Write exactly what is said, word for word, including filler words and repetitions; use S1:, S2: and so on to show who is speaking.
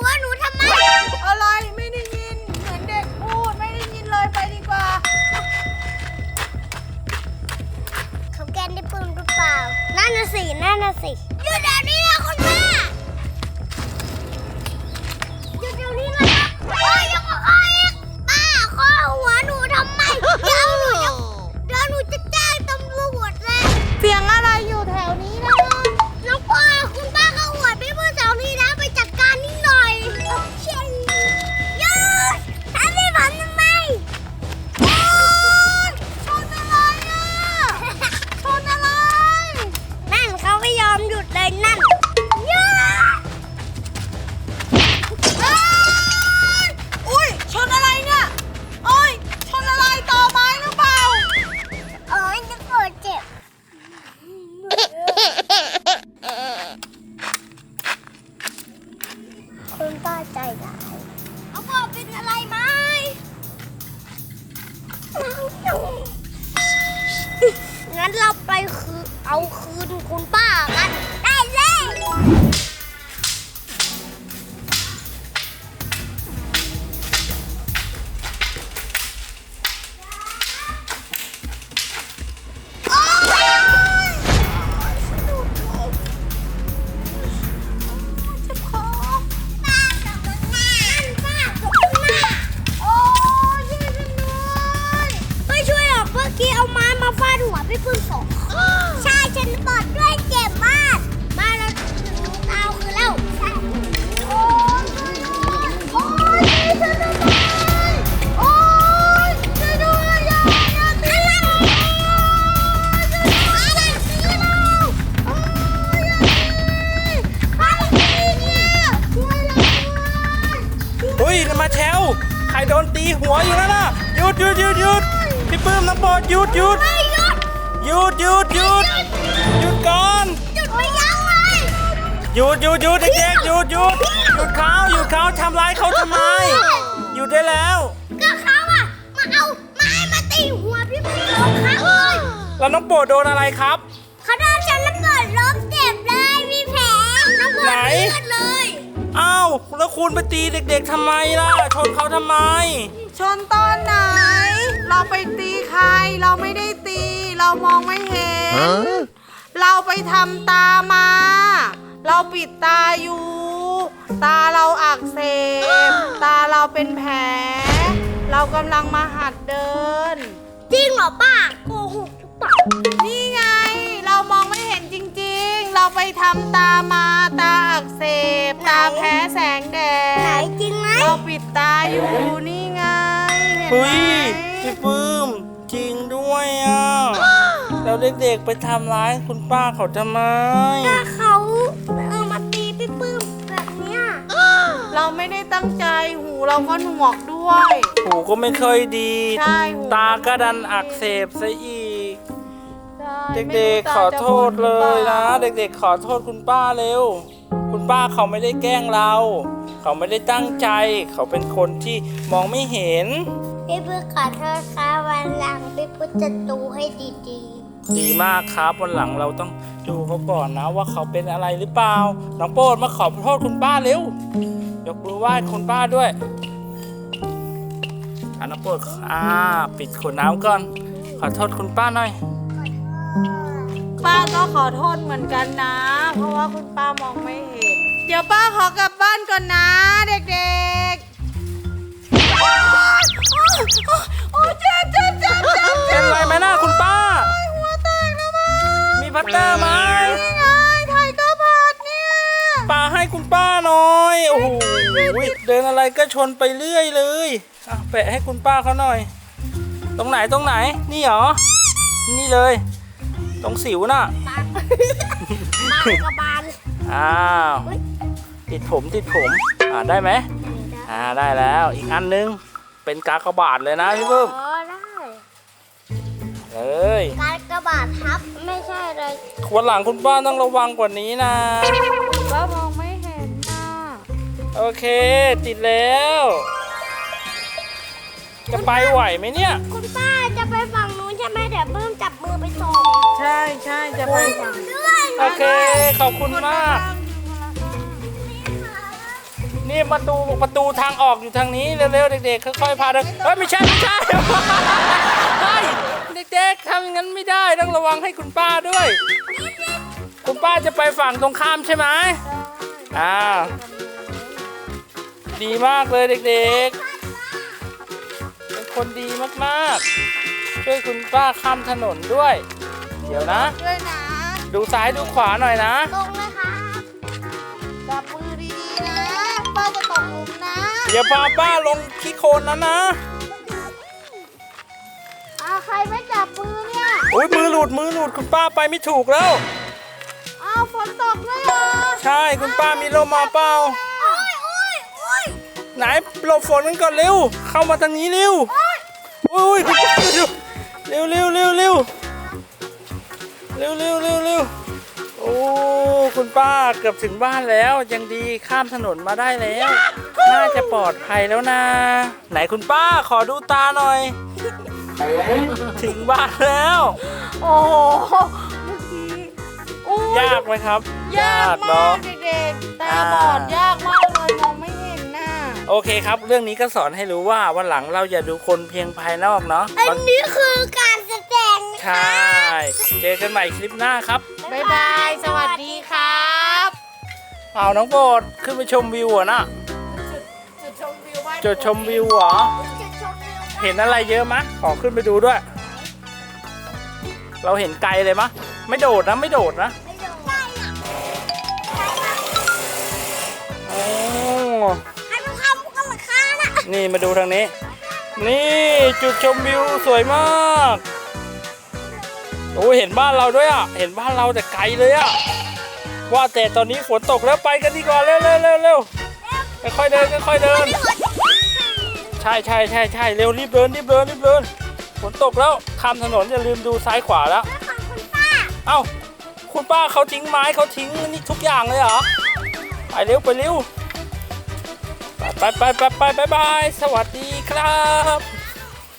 S1: หัวหนูทำไมอะไรไม่ได้ยินเหมือนเด็กพูดไม่ได้ยินเลยไปดีกว่าเขาแกล้งได้ปืนหรือเปล่านั่นน่ะสินั่นน่ะสิหยุดเดี๋ยวนี้นะคุณแม่หยุดเดี๋ยวนี้นะโอ้ยยังมาข้ออีกป้าข้อหัวหนูทำไมเดี๋ยวหนูจะเดี๋ยวหนูจะแจ้งตำรวจเลยเสียงอะไรอยู่แถวนี้นะน้องป้าคุณป้าเขาหัวพี่เพื่อนแถวนี้นะไปจัดการนิดหน่อยเช่นหยุดทำให้ผมทำไมโอ๊ยชนอะไรอ่ะชนอะไรนั่นเขาไม่ยอมหยุดเลยนั่นหยุดอุ้ยชนอะไรเนี่ยโอ้ยชนอะไรต่อไม้หรือเปล่าโอ้ยจะปวดเจ็บคุณป้าใจร้ายเขาบอกเป็นอะไรไหมงั้นเราไปคือเอาคืนคุณป้ากันได้เลยพี่พึ่งสองใช่ฉันปอดด้วยเจ็บมากมาเราถึงเอาคือแล้วใช่โอ้ยโอ้ยช่วยด้วยโอ้ยช่วยด้วยอย่าอย่าตีเราอะไรตีเราโอ้ยอย่าตีอะไรตีเนี่ยช่วยเราด้วย
S2: เฮ้ยมาแชวใครโดนตีหัวอยู่นั่นน่ะหยุดหยุดหยุดหยุดพี่ปื้มน้ำโปรดหยุดหยุดหยุดหยุดหยุดหยุดก่อน
S1: หยุดไม่ยั้งเลย
S2: หยุดหยุดหยุดเด็กๆหยุดหยุดหยุดเขาหยุดเขาทำร้ายเขาทำไมหยุดได้แล้ว
S1: ก็เขาอะมาเอาไม้มาตีหัวพี่พึ่งสองครั้งเลย
S2: แล้วน้องโปรดโดนอะไรครับ
S1: เขาโดนฉันระเบิดล้มเจ็บเลยมีแผลระเบิด
S2: ไหน
S1: เลือดเลย
S2: อ้าวแล้วคุณไปตีเด็กๆทำไมล่ะชนเขาทำไม
S3: ชนตอนไหน เราไปตีใคร เราไม่ได้ตี เรามองไม่เห็น เราไปทำตามา เราปิดตาอยู่ ตาเราอักเสบ ตาเราเป็นแผล เรากำลังมาหัดเดิน
S1: จริงเหรอป้าโกหกหรือเปล่า
S3: นี่ไง เรามองไม่เห็นจริงๆ เราไปทำตามา ตาอักเสบ ตาแพ้แสงแด
S1: ไหน
S3: ด
S1: จริงไหม
S3: เราปิดตาอยู่นี่ไง เห็น
S2: เฮ้
S3: ไหม
S2: ยพี่ปื้มจริงด้วยอ่ะแล้วเด็กๆไปทำร้ายคุณป้าเขาทำไม
S1: ถ้าเขาเอามาตีพี่ปื้มแบบเนี้ย
S3: เราไม่ได้ตั้งใจหูเราก็หนวกด้วย
S2: หูก็ไม่ค่อยดี
S3: ใช่หู
S2: ตาก็ดันอักเสบซะอีก
S3: ใช่
S2: เด็กๆขอโทษเลยนะ เด็กๆขอโทษคุณป้าเร็ว คุณป้าเขาไม่ได้แกล้งเรา เขาไม่ได้ตั้งใจ เขาเป็นคนที่มองไม่เห็น
S1: พี่ปื้มขอโทษค่ะวันหลังพี่ปื้มจะดูให้ดี
S2: ดีมากครับวันหลังเราต้องดูเขาก่อนนะว่าเขาเป็นอะไรหรือเปล่า น้องโปรดมาขอโทษคุณป้าเร็ว ยกมือไหว้คุณป้าด้วยอ่ะน้องโปรดอ่าปิดขวดน้ำก่อน ขอโทษคุณป้าหน่อย
S3: ป้าก็ขอโทษเหมือนกันนะ เพราะว่าคุณป้ามองไม่เห็น เดี๋ยวป้าขอกลับบ้านก่อนนะ เด็กๆ โอ้เจ็บเจ็บเจ็บเจ็บ
S2: เป็นไรไหมนะคุณป้า
S3: หัวแตกแล้วมั้ง
S2: มีพัตเตอร์ไหม
S3: นี่ไงไทยก็บาดเนี่ย
S2: ป้าให้คุณป้าหน่อย โอ้โหเดินอะไรก็ชนไปเรื่อยเลยอ่ะแปะให้คุณป้าเขาหน่อย ตรงไหนตรงไหน นี่เหรอ นี่เลย ตรงสิวน่ะ
S1: ๆบานบานกับบาน
S2: อ้าว ติดผมติดผม อ่าได้ไหมอ่าได้แล้ว อีกอันนึง เป็นกากบาทเลยนะพี่เพิ่ม
S1: อ๋อได้
S2: เอ้ย
S1: การกระบาดทับไม่ใช่เลย
S2: วันหลังคุณป้าต้องระวังกว่านี้นะ
S3: ป้ามองไม่เห็นนะ
S2: โอเค ติดแล้ว จะไปไหวไหมเนี่ย
S1: คุณป้าจะไปฝั่งนู้นใช่ไหมเดี๋ยวปื้มจับมือไปส่ง
S3: ใช่ใช่จะไป
S1: ด้วย
S2: โอเค ขอบคุณมาก
S3: ค
S2: นี่ประตูประตูทางออกอยู่ทางนี้เร็วๆเด็กๆค่อยๆพาเดินเฮ้ยไม่ใช่ไม่ใช่เฮ้ยเด็กๆทำอย่างนั้นไม่ได้ต้องระวังให้คุณป้าด้วย คุณป้าจะไปฝั่งตรงข้ามใช่ไหมอ่าดีมากเลยเด็กๆเป็นคนดีมากๆช่วยคุณป้าข้ามถนนด้วย เดี๋ยวนะ
S3: ด้วยนะ
S2: ดูซ้ายดูขวาหน่อยนะ
S1: ตรงเลยครับ
S3: จับมือดีๆนะป้าจะตกหลุมนะ
S2: อย่าพาป้าลงขี้โคลนนั้นนะ
S1: อ่าใครไม่จับมือเนี่ย
S2: โอ้ยมือหลุดมือหลุดคุณป้าไปไม่ถูกแล้ว
S3: อ้าวฝนตกเลยเหรอ
S2: ใช่คุณป้ามีร่มมาเปล่า
S1: โอ้ยโอ้ยโอ้ย
S2: ไหนหลบฝนกันก่อนเร็ว เข้ามาทางนี้เร็วโอ้ยคุณป้าเร็วเร็วเร็วเร็วเร็วเร็วเร็วเร็วโอ้คุณป้าเกือบถึงบ้านแล้วยังดีข้ามถนนมาได้แล้ว น่าจะปลอดภัยแล้วนะ ไหนคุณป้าขอดูตาหน่อย ถึงบ้านแล้ว
S3: โอ้โหเมื่อกี้อู้
S2: ยากไหมครับ
S3: ยาก
S2: เน
S3: มา
S2: อะ
S3: กเด็กๆตาบอดยากมากเลยมองไม่เห็นน่ะ
S2: โอเคครับ เรื่องนี้ก็สอนให้รู้ว่าวันหลังเราอย่าดูคนเพียงภายนอกเนาะ
S1: อันนี้คือการแสดง
S2: ใช่ เจอกันใหม่คลิปหน้าครับ
S3: บ๊ายบายสวัสดีครับ
S2: เอาน้องโบดขึ้นไปชมวิวเหรอนะ
S3: จุดชมวิวบ้าน
S2: จุดชมวิวเหรอ
S1: จะชมวิว
S2: เห็นอะไรเยอะมะ ขอขึ้นไปดูด้วย เราเห็นไกลเลยมะ ไม่โดดนะไม่โดดนะ
S1: ไม่โดนได้อะ
S2: โอ้
S1: ให้มันเข้ามุกกันราคาน่ะ
S2: นี่มาดูทางนี้ นี่จุดชมวิวสวยมากโอ้ยเห็นบ้านเราด้วยอ่ะ เห็นบ้านเราแต่ไกลเลยอ่ะ ว่าแต่ตอนนี้ฝนตกแล้วไปกันดีกว่าเร็วเร็วเร็วเร็วค่อยๆเดินค่อยๆเดิน ใช่ใช่ใช่ใช่เร็วรีบเดินรีบเดินรีบเดินฝนตกแล้วข้ามถนนอย่าลืมดูซ้ายขวาแล้ว
S1: ของคุณป้า
S2: เอ้าคุณป้าเขาทิ้งไม้เขาทิ้งนี่ทุกอย่างเลยเหรอไปเร็วไปเร็วไปไปไปไปไปบายสวัสดีครับ